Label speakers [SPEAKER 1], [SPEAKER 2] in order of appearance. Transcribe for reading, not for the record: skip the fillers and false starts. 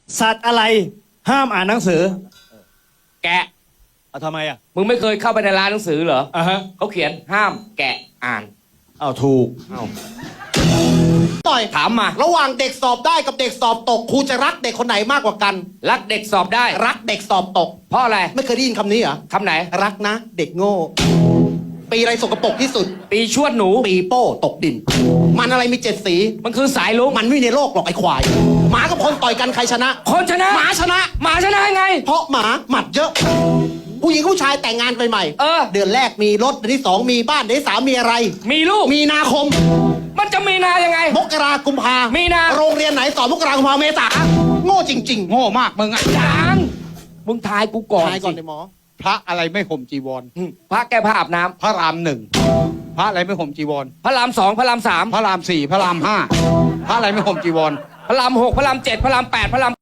[SPEAKER 1] สัตว์อะไรห้ามอ่านหนังสือ
[SPEAKER 2] แกะ
[SPEAKER 1] เอาทำไมอ่ะ
[SPEAKER 2] มึงไม่เคยเข้าไปในร้านหนังสือเหรอ
[SPEAKER 1] อ่ะฮะ
[SPEAKER 2] เขาเขียนห้ามแกะอ่าน
[SPEAKER 1] เอาถูก
[SPEAKER 3] ต่อย
[SPEAKER 2] ถามมา
[SPEAKER 3] ระหว่างเด็กสอบได้กับเด็กสอบตกครูจะรักเด็กคนไหนมากกว่ากัน
[SPEAKER 2] รักเด็กสอบได้
[SPEAKER 3] รักเด็กสอบตก
[SPEAKER 2] เพราะอะไร
[SPEAKER 3] ไม่เคยได้ยินคำนี้เหรอ
[SPEAKER 2] คำไหน
[SPEAKER 3] รักนะ เด็กโง่ ปีอะไรสกปรกที่สุด
[SPEAKER 2] ปีชวดหนู
[SPEAKER 3] ปีโป้ตกดิน มันอะไรมีเจ็ดสี
[SPEAKER 2] มันคือสายลุง
[SPEAKER 3] มันไม่มีในโลกหรอกไอ้ควาย หมากับคนต่อยกันใครชนะ
[SPEAKER 2] คนชนะ
[SPEAKER 3] หมาชนะ
[SPEAKER 2] หมาชนะยังไง
[SPEAKER 3] เพราะหมาหมัดเยอะ ผู้หญิงผู้ชายแต่งงานไปใหม่
[SPEAKER 2] เออ
[SPEAKER 3] เดือนแรกมีรถเดือนที่สองมีบ้านเดือนที่สามมีอะไร
[SPEAKER 2] มีลูก
[SPEAKER 3] มีนาคม
[SPEAKER 2] มันจะมีนายังไง
[SPEAKER 3] มกรากุมภา
[SPEAKER 2] มีนา
[SPEAKER 3] โรงเรียนไหนสอนมกรากุมภาเมษาโง่จริง ๆ
[SPEAKER 4] โง่มากมึงอ่ะ
[SPEAKER 2] จางมึงทายกูก่อน
[SPEAKER 3] ทายก่อน
[SPEAKER 2] สิ
[SPEAKER 3] เลยหมอ
[SPEAKER 4] พระอะไรไม่ห่มจีวร
[SPEAKER 2] พระแก้ผ้าอาบน้ำ
[SPEAKER 4] พระรามหนึ่งพระอะไรไม่ห่มจีวร
[SPEAKER 2] พระรามสองพระรามสาม
[SPEAKER 4] พระรามสี่พระรามห้าพระอะไรไม่ห่มจีวร
[SPEAKER 2] พระรามหกพระรามเจ็ดพระรามแปดพระราม